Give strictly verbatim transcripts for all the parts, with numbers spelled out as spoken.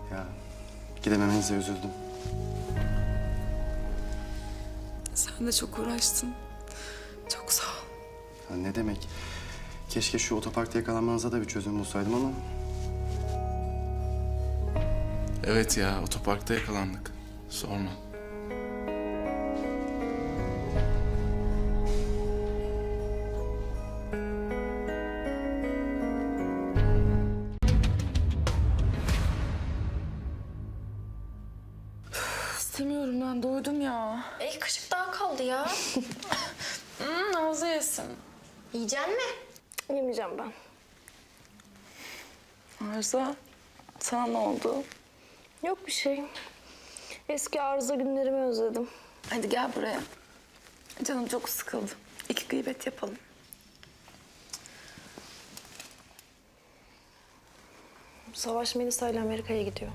Ya gidememenize üzüldüm. Sen de çok uğraştın. Çok sağ ol. Ya ne demek? Keşke şu otoparkta yakalanmanıza da bir çözüm bulsaydım ama... Evet ya, otoparkta yakalandık. Sorma. İstemiyorum, ben doydum ya. İlk kaşık daha kaldı ya. Hmm, Nazlı yesin. Yiyecek mi? Yemeyeceğim ben. Arzu, sana ne oldu? Yok bir şey. Eski arıza günlerimi özledim. Hadi gel buraya. Canım çok sıkıldı. İki gıybet yapalım. Savaş Melisa ile Amerika'ya gidiyor.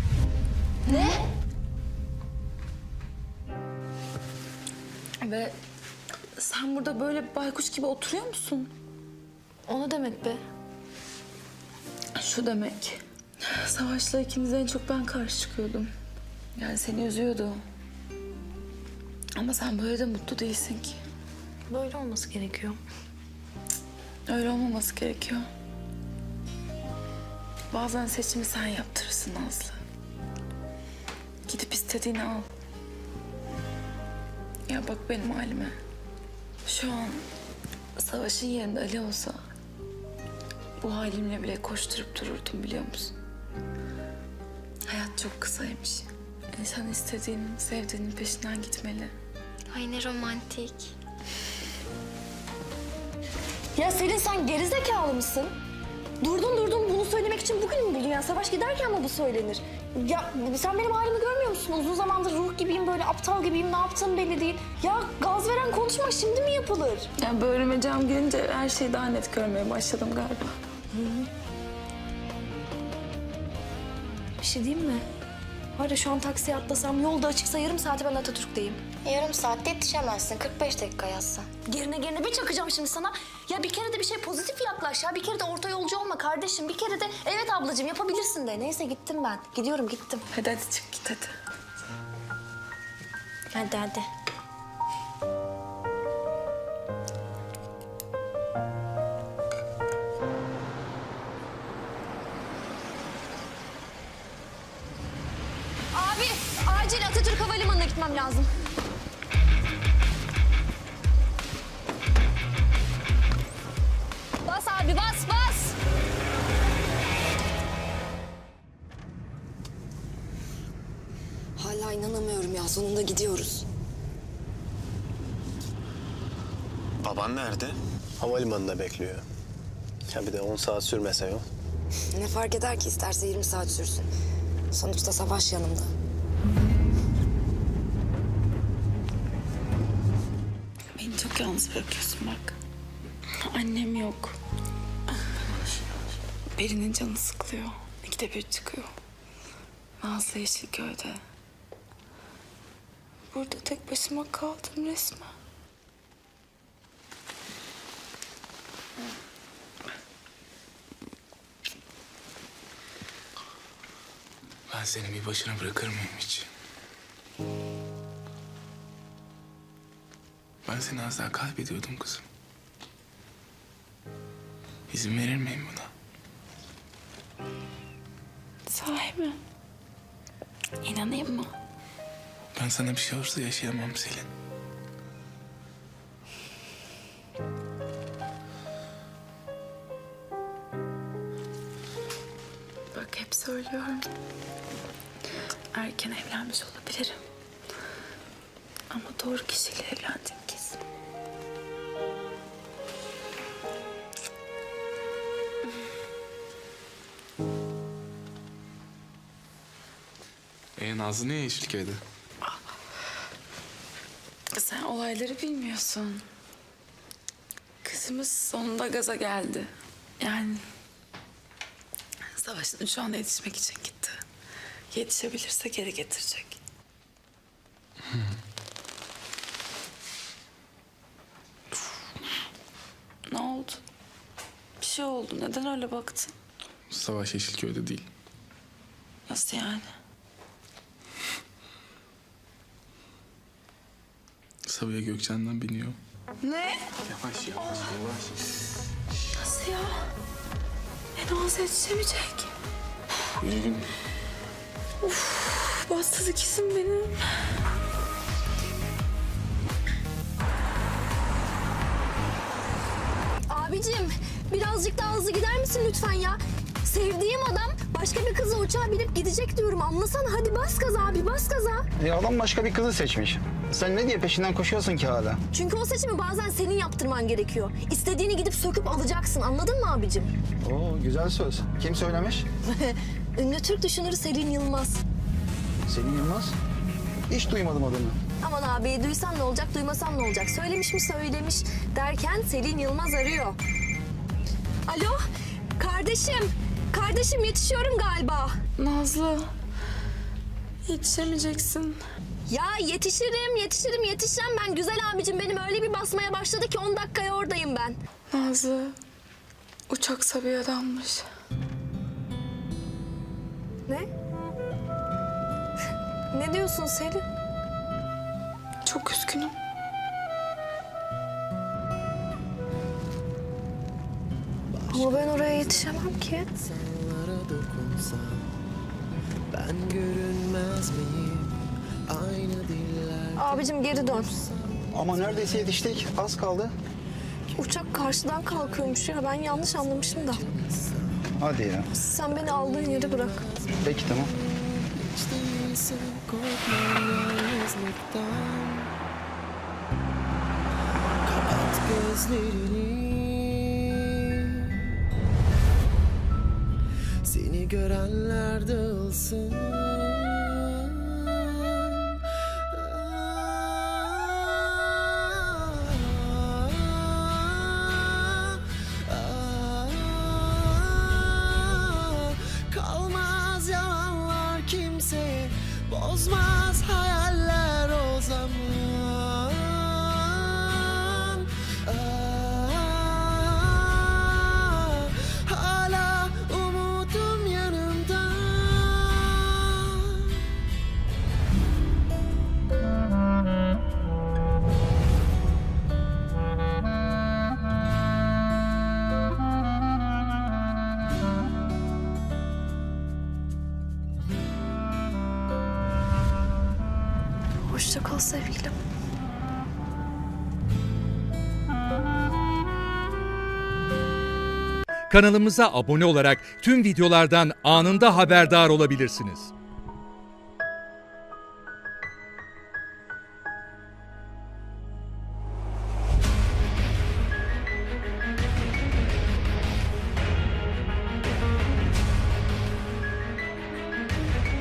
Ve sen burada böyle baykuş gibi oturuyor musun? O ne demek be? Şu demek. Savaş'la ikimize en çok ben karşı çıkıyordum. Yani seni üzüyordu. Ama sen böyle de mutlu değilsin ki. Böyle olması gerekiyor. Öyle olmaması gerekiyor. Bazen seçimi sen yaptırırsın Nazlı. Gidip istediğini al. Ya bak benim halime. Şu an Savaş'ın yerinde Ali olsa... bu halimle bile koşturup dururdum, biliyor musun? Hayat çok kısaymış. İnsan istediğinin, sevdiğinin peşinden gitmeli. Ay ne romantik. Ya Selin, sen gerizekalı mısın? Durdun durdun bunu söylemek için bugün mü buldun ya? Savaş giderken mi bu söylenir? Ya sen benim halimi görmüyor musun? Uzun zamandır ruh gibiyim, böyle aptal gibiyim. Ne yaptığım belli değil. Ya gaz veren konuşma şimdi mi yapılır? Yani böğrüme cam girince her şeyi daha net görmeye başladım galiba. Bir şey diyeyim mi? Var ya, şu an taksiye atlasam, yolda açıksa yarım saate ben Atatürk'teyim. Yarım saatte yetişemezsin. kırk beş dakika yazsan. Gerine gerine bir çakacağım şimdi sana. Ya bir kere de bir şey pozitif yaklaş ya. Bir kere de orta yolcu olma kardeşim. Bir kere de evet ablacığım yapabilirsin de. Neyse gittim ben. Gidiyorum gittim. Hadi hadi çık git hadi. Hadi hadi. Abi acil Atatürk Havalimanı'na gitmem lazım. Bas abi bas bas. Hala inanamıyorum ya. Sonunda gidiyoruz. Baban nerede? Havalimanında bekliyor. Ya bir de on saat sürmese yol. Ne fark eder ki, isterse yirmi saat sürsün. Sonuçta Savaş yanımda. Beni çok yalnız bırakıyorsun bak. Annem yok. Peri'nin canı sıkılıyor. İkide bir çıkıyor. Nazlı Yeşilköy'de. Burada tek başıma kaldım resmen. Ben seni bir başına bırakır mıyım hiç? Ben seni az daha kaybediyordum kızım. İzin verir miyim buna? Sahi mi? İnanayım mı? Ben sana bir şey olursa yaşayamam Selin. Bak hep söylüyorum. Erken evlenmiş olabilirim. Ama doğru kişiyle evlendim kesin. Ee, Nazlı niye Yeşilköy'de? Sen olayları bilmiyorsun. Kızımız sonunda gaza geldi. Yani Savaş'ın uçağına yetişmek için gitti. Yetişebilirse geri getirecek. Ne oldu? Bir şey oldu. Neden öyle baktın? Savaş Yeşilköy'de değil. Nasıl yani? Sabiha Gökçen'den biniyor. Ne? Yavaş yavaş yavaş. Nasıl ya? E Nazlı yetişemeyecek. Yürü. Bastı ikizim benim. Abicim birazcık daha hızlı gider misin lütfen ya? Sevdiğim adam başka bir kızla uçağa binip gidecek diyorum. Anlasana hadi bas gaza abi bas gaza. E adam başka bir kızı seçmiş. Sen ne diye peşinden koşuyorsun ki hala? Çünkü o seçimi bazen senin yaptırman gerekiyor. İstediğini gidip söküp alacaksın anladın mı abicim? Oo güzel söz. Kim söylemiş? Ünlü Türk düşünürü Selin Yılmaz. Selin Yılmaz. Hiç duymadım adını. Aman abi duysan ne olacak duymasan ne olacak? Söylemiş mi söylemiş derken Selin Yılmaz arıyor. Alo kardeşim. Kardeşim yetişiyorum galiba. Nazlı. Yetişemeyeceksin. Ya yetişirim yetişirim yetişeceğim ben. Güzel abicim benim öyle bir basmaya başladı ki on dakikaya oradayım ben. Nazlı. Uçak Sabiha'danmış. Ne? Ne diyorsun Selin? Çok üzgünüm. Ama ben oraya yetişemem ki. Ben görünmez miyim? Aynı diller. Abicim geri dön. Ama neredeyse yetiştik. Az kaldı. Uçak karşıdan kalkıyormuş ya. Ben yanlış anlamışım da. Hadi ya. Sen beni aldığın yere bırak. Peki tamam. Hiç değilsin, korkma yalnızlıktan. Kapat gözlerini. Seni görenler dağılsın. Kalmaz yalanlar kimseye, bozmaz hayaller o zaman. Ah, hala umudum yanımda. Hoşça kal sevgilim. Kanalımıza abone olarak tüm videolardan anında haberdar olabilirsiniz.